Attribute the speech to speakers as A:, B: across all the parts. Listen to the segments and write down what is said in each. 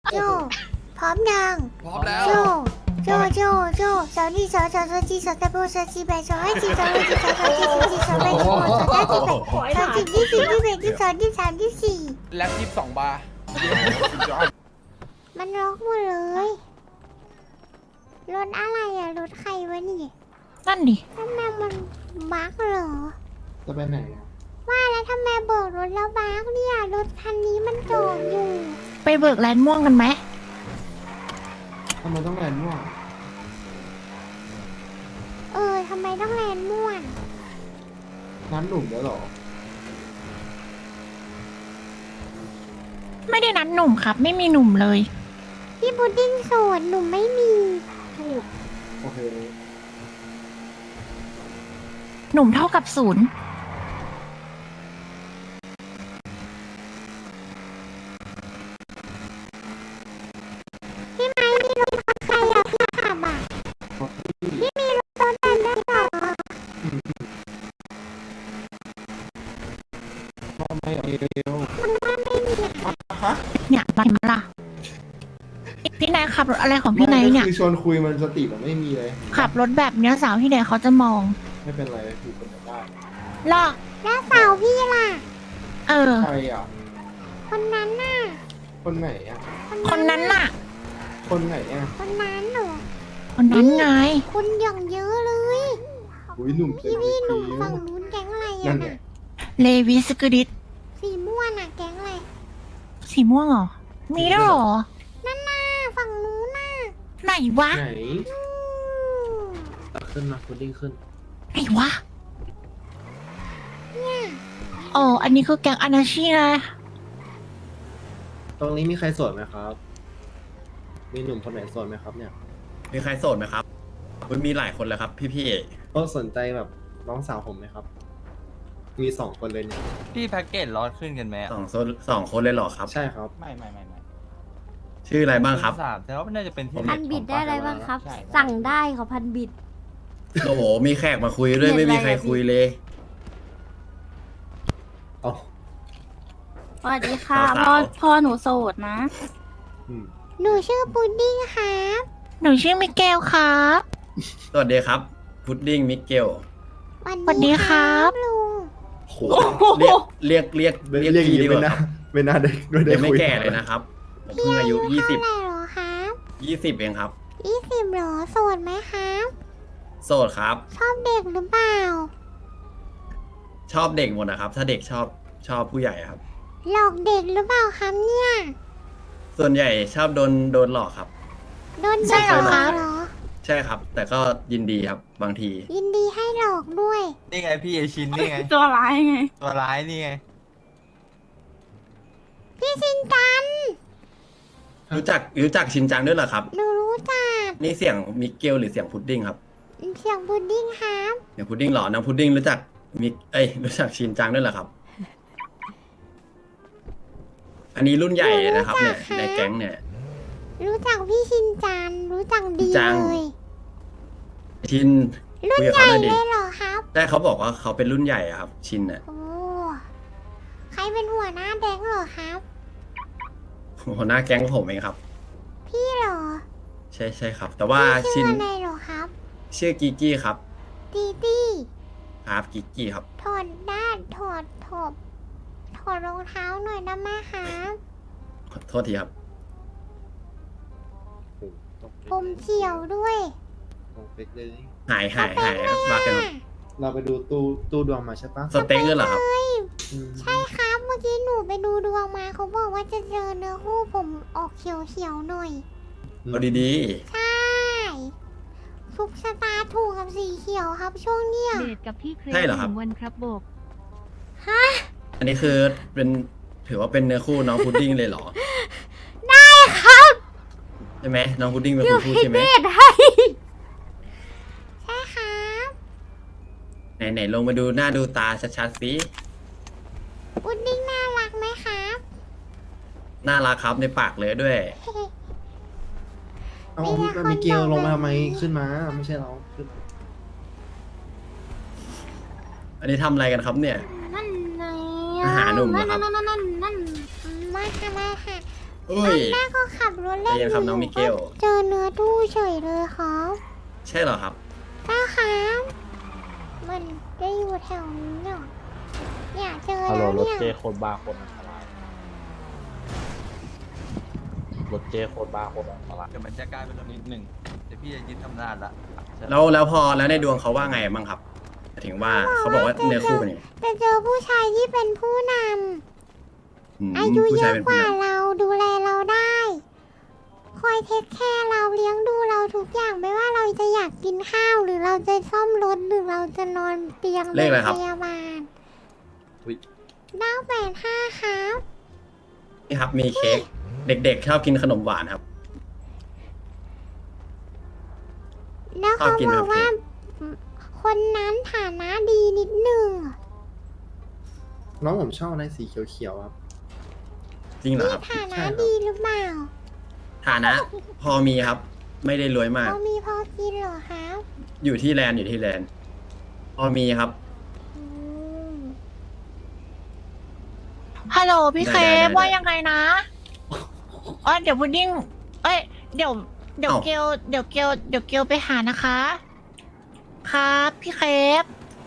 A: โจพร้อมยัง
B: พร้อมแล้ว
A: โจสาวนี่สาวจีสาวตะโบสาวจีแบสาวให้จีสาวให้จีสาวจีสาวจีสาวแบสาวสาวจีแบสาวจีที่สี่ที่แบที่สองที่สามที่สี่
B: แล็บ22 บาร์
A: มันล็อกหมดเลยรถอะไรอะรถใครวะนี่
C: นั่นดิ
A: ทำไมมันบั๊กเหรอ
D: จะไปไหนอะ
A: ว่าแล้วทำไมเบิกรถแล้วบั๊กเนี่ยรถคันนี้มันจอดอยู่
C: ไปเบิกแลนด์ม่วงกันไหม
D: ทำไมต้องแลนด์ม่วง
A: ทำไมต้องแลนม่วน
D: น้ำหนุ่มแล้วเหรอ
C: ไม่ได้นัดหนุ่มครับ ไม่มีหนุ่มเลย
A: พี่พุดดิ้งโสดหนูไม่มีถูก
D: โอเค
C: หนุ่มเท่ากับศูนย์
A: พี่ไม้มีรถใครอะพี่ขับอะพี่มีรถแบบนั้นเหรอ
D: ไม่เอาเร็ว
C: เนี่ยไปมาล่ะพี่นายขับรถอะไรของพี่นายเนี่ย
D: คือชวนคุยมันสติมันไม่มีเลย
C: ขับรถแบบเนี้ยสาวที่ไหนเขาจะมอง
D: ไม่เป็นไรคือคนจะได้
C: หรอ
A: แล้วสาวพี่ล่ะ
C: เออ
D: ใครอ่ะ
A: คนนั้นน่ะ
D: คนไหนอ่ะ
C: คนนั้นน่ะ
D: คนไหนอ่ะ
A: คนนั้นเหรอ
C: คนนั้นไง
A: คุณอย่างเยอะเลย
D: อุ้ยหนุ่มเต็ม
A: พี่หนุ่ม
D: ผิว
A: ฝั่งนู้นแก๊งอะไร
D: นั่
A: อะ
D: นไง
A: น่ะ
C: เลวิสกูดิต
A: สีม่วงน่ะแก๊งอะไร
C: สีม่วงเหรอ มีด้วยเหรอ
A: นั่นน่ะฝั่งนู้นน่ะ
C: ไหนวะ
D: ไหน
A: อืม
D: ขึ้นมาพุดดิ้งขึ้น
C: ไหนวะอ๋ออันนี้คือแก๊งอนาชีนะ
D: ตรงนี้มีใครโสดไหมครับ มีหนุ่มคนไหนโสดไหมครับเนี่ย
E: มีใครโสดไหมครับมันมีหลายคนแล้วครับ พี่
D: ก็สนใจแบบน้องสาวผมไหมครับ มี2 คนเลยเนี่ย
F: พี่แพ็กเกจร้อนขึ้นกันไหม
E: ๆสองคนเลยเหรอครับ
D: ใช่ครับ
F: ไม่
E: ชื่ออะไรบ้างครับ
F: สามแต่ว่ามันน่าจะเป็นที่
G: พันบิดได้อะไรบ้างครับ
F: ใช่
G: สั่งได้เขาพันบิด
E: โอ้โห มีแขกมาคุยด้วย
G: เรียน
E: ไม่มีใคร
G: อะไรอะพี่
E: คุยเลย
D: เอา
G: สวัสดีค่ะ
E: สาวๆ
G: พ่อหนูโสดนะ
D: อืม
A: หนูชื่อพุดดิ้งครับ
C: หนูชื่อมิเกลครับ
E: สวัสดีครับ พุดดิ้งมิเกล
A: สวัส
C: สวัสดีครับ
A: ลุง
D: โห
E: เรียก
D: เรียก
E: พี่ดีก
D: ไม่
E: ว่า
D: น่า
E: ครับ
D: ไม่น่าได้ได้
E: ยังไม่
D: คุย
E: แก่เลยนะครับ ผมเพิ่งอายุ
A: เท่าไหร่เหรอครับ
E: 20เองครับ
A: 20เหรอโสดไหมครับ
E: โสดครับ
A: ชอบเด็กหรือเปล่า
E: ชอบเด็กหมดนะครับ ถ้าเด็กชอบผู้ใหญ่ครับ
A: หลอกเด็กหรือเปล่าครับเนี่ย
E: ส่วนใหญ่ชอบโดนหลอกครับ
A: โดน
C: ใช่
A: เด็ก
C: เหรอ
A: หล
C: ครั
A: อก
C: บ
A: เหรอ
E: ใช่ครับ แต่ก็ยินดีครับ บางที
A: ยินดีให้หลอกด้วย
F: นี่ไงพี่เอชินนี่ไง
G: ตัวร้ายไง
F: ตัวร้ายนี่ไง
A: พี่ชินจัน
E: รู้จักชินจังด้วยเหรอครับ
A: หนูรู้จัก
E: นี่เสียงมิเกลหรือเสียงพุดดิ้งครับ
A: เสียงพุดดิ้งครับ
E: เดี๋ยวพุดดิ้งเหรอน้องพุดดิ้งรู้จักรู้จักชินจังด้วยเหรอครับ อันนี้รุ่นใหญ่เลยนะครับเนี่ยในแก๊งเนี่ย
A: รู้จักพี่ชินจันรู้จักดี
E: จัง
A: เลย
E: ชิน
A: รุ่น
E: คุยกับ
A: ใหญ่
E: เขาหน่อยดิ
A: เลยเหรอครับ
E: แต่เขาบอกว่าเขาเป็นรุ่นใหญ่อะครับ ชินเนี่ย
A: โอ้ใครเป็นหัวหน้าแดงเหรอครับ
E: หัวหน้าแก๊งผมเองครับ
A: พี่เหรอ
E: ใช่ครับ แต่ว่า
A: พี่
E: ชิ
A: ชื่อน อะไรเหรอครับ
E: ชื่อกิกกี้ครับ
A: ตีตี้
E: ครับกิกกี้ครับ
A: ถอดด้านถอดรองเท้าหน่อยได้ไหมครับ
E: ขอโทษทีครับ
A: ผมเขียวด้วย
D: เป๊กเลย
E: หายครับมากัน
D: เราไปดูตู้ดวงมาใช่ปะ
E: สเต็กด้วยเหรอครับ
D: อืม
A: ใช่ครับเมื่อกี้หนูไปดูดวงมาเขาบอกว่าจะเจอเนื้อคู่ผมออกเขียวๆหน่อย
E: เอาดี
A: ใช่ทุกสตาร์ถูกกับสีเขียวครับช่วงเนี้ย
H: เดทกับพี่เคร
E: ๆใช่เหรอครับ
H: 1 วันครับโบก
E: อันนี้คือเป็นถือว่าเป็นเนื้อคู่น้องพุดดิ้งเลยเหรอ
A: ได้ครับ
E: ใช่ไหมน้องพุดดิ้งเป็นคนพูดใช่ไหม
A: เดทให้ใช่ครับ
E: ไหนลงมาดูหน้าดูตาชัดๆสิ
A: อุดดิ้งน่ารักไหมครับ
E: น่ารักครับในปากเลยด้วย
D: เอามีเกลลงมาทำไมขึ้นมา ไม่ใช่เราขึ้นมา
E: อันนี้ทำอะไรกันครับเนี่ย
G: นั่นไง
E: อาหารหนุ่มเหรอครับ
G: นั่น
A: มาค่ะมาค่ะ
E: เอ้ย
A: แม่ก็ขับรถเล่น
E: ใจเย็นครับน้องมิเกล
A: เจอเนื้อตู้เฉยเลยครับ
E: ใช่เหรอครับ
A: นะครับมันได้อยู่แถวนี้เนี่ยอยากเจอ
B: ฮัลโหล
A: แล้ว
B: รถ
A: เนี่ย
B: เจโคตรบ้าโคตรอันตรายรถเจโคตรบ้าโคตรอันตราย
F: เดี๋ยวมันจะกลายเป็นนิดหนึ่งเดี๋ยวพี่จะยึดอำนาจละ
E: แล้วพอแล้วในดวงเขาว่าไงบ้างครับหมายถึงว่าเขาบอกว่าเนื้อคู่เป็นยังไง
A: แต่เจอผู้ชายที่เป็นผู้น
E: อืม
A: ำอายุ
E: ผู้
A: เย
E: ชาย
A: อะ
E: เป็น
A: ก
E: ผู้
A: ว่าน เราดูแลเราได้ คอยเทคแคร์เราเลี้ยงดูเราทุกอย่างไม่ว่าเราจะอยากกินข้าวหรือเราจะซ่อมรถหรือเราจะนอนเตียง
E: เลขอะไรครับ
A: พยาบาล
D: อุ๊ย
A: 985ครับ
E: นี่ครับมีเค้กเด็กๆชอบกินขนมหวานครับ
A: แล้ว
E: ชอบ
A: เขา
E: กิน
A: บอกว่า คนนั้นฐานะดีนิดหนึ่ง
D: น้องผมชอบอะไรสีเขียวๆครับ
E: จริงเหรอครับ
A: ฐานะดีหรือเปล่า
E: ฐานะ พอมีครับ ไม่ได้รวยมาก
A: เขามีพอกินเหรอครับ
E: อยู่ที่แลนด์พอมีครับ
A: อืม
C: ฮัลโหลพี่เค
E: ได้
C: ฟว่ายังไงนะเดี๋ยวพุดดิ้งเอ้ยเดี๋ยว
E: เอ้า
C: เกลไปหานะคะ ครับพี่เคฟ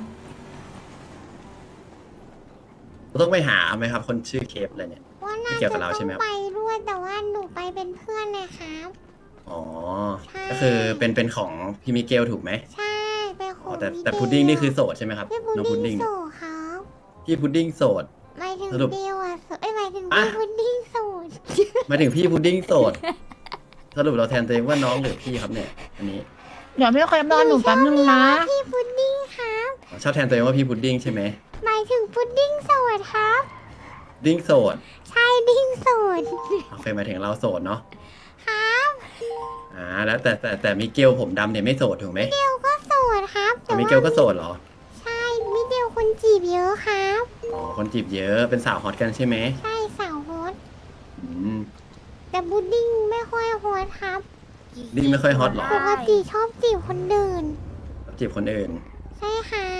E: ต้องไปหาไหมครับ คนชื่อเคฟอะไรเนี่ย
A: ว่าน่า
E: ไม่เกี่ยวกั
A: จะ
E: บเราใช่ไหม
A: ต้
E: ครั
A: อบ งไปด้วยแต่ว่าหนูไปเป็นเพื่อนนะครับ
E: อ๋อ
A: ใช่
E: ก็คือเป็นของพี่มิเกลถูกไหม
A: ใช่เป็นค
E: อ๋
A: น
E: อแต่พุดดิ้งนี่คือโสดใช่ไหมครับ
A: พี่พุด
E: น้องพุด
A: ดิ้
E: ดิ้
A: ง
E: ง
A: โสดครับ
E: พี่พุดดิ้งโสด
A: หมายถึง
E: สรุป
A: เดียวอ่ะหมายถึง
E: อ่ะ
A: พี่พุดดิ้งโสด
E: หมายถึงพี่พุดดิ้งโสด สรุปเราแทนตัวเองว่าน้องหรือพี่ครับเนี่ย อันนี้
C: เดี๋ยวพี่เคฟรอหนูแป๊บนึงนะ
A: พี่พุดดิ้งครับ
E: ชอบแทนตัวเองว่าพี่พุดดิ้งใช่ไหม
A: หมายถึงพุดดิ้งโสดครับ
E: ดิ้งโสด
A: ใช่ดิ้งโสด
E: โอเคหมายถึงเราโสดเนาะ
A: ครับ
E: แล้วแต่มิเกลผมดำเนี่ยไม่โสดถูกไหม
A: เดียวก็โสดครับ
E: แต่มิเกลก็โสดเหรอ
A: ใช่มิเดียวคนจีบเยอะครับ
E: อ๋อ คนจีบเยอะ เป็นสาวฮอตกันใช่ไหม
A: ใช่สาวฮอต
E: อืม
A: แต่พุดดิ้งไม่ค่อยฮอตครับ
E: ดิ้งไม่ค่อยฮอตเหรอ
A: ปกติชอบจีบคนอื่น
E: จีบคนอื่น
A: ใช่ครับ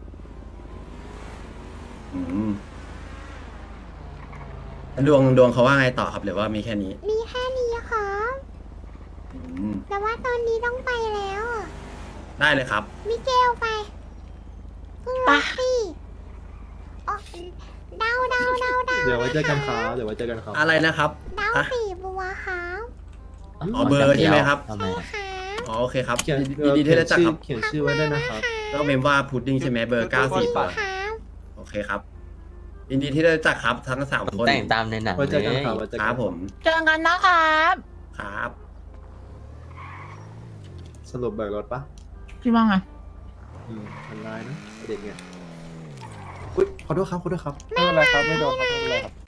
E: อืมดวงเขาว่าไงต่อครับหรือว่ามีแค่นี้
A: มีแค่นี้ครับ
E: อืม
A: แต่ว่าตอนนี้ต้องไปแล้วอะ
E: ได้เลยครับ
A: มิเกลไปขึ้นรถสิอ๋อเดา
D: เดี๋ยวไว้เจอกันครับเดี๋ยวไว้เจอกันครับ
E: อะไรนะครับ
A: เดา
E: อ่ะ
A: สีบัวครับ
E: อ๋อเบอร์ใช่ไหมครับ
B: ทำไม
A: ใช่ครับ
E: อ๋อโอเคครับ
D: เขียน
E: ยินดีที่ได้รู้จักครับ
D: เขียนชื่อไว้ด้วยนะครับ
E: ก็เมมว่าพุดดิ้งใช่ไหมเบอร์90
A: ครับ
E: โอเคครับ ยินดีที่ได้รู้จักครับทั้งสาม
H: ผม
E: คน
H: แต่งตามในหนัง
D: ไว้เจอกัน
H: เลย
D: ครับไว้เจอ
E: ค
D: กั
E: รั
D: น
E: บผม
C: เจอกันนะครับ
E: ครับ
D: สรุปเบิกรถปะ
C: พี่ว่าไง
D: ทำลายนะเด็กเนี่ยอุ๊ยขอโทษครับ
B: ไม่เป็นไรครับ ไม่โดนครับ ไม่เป็นไรครับ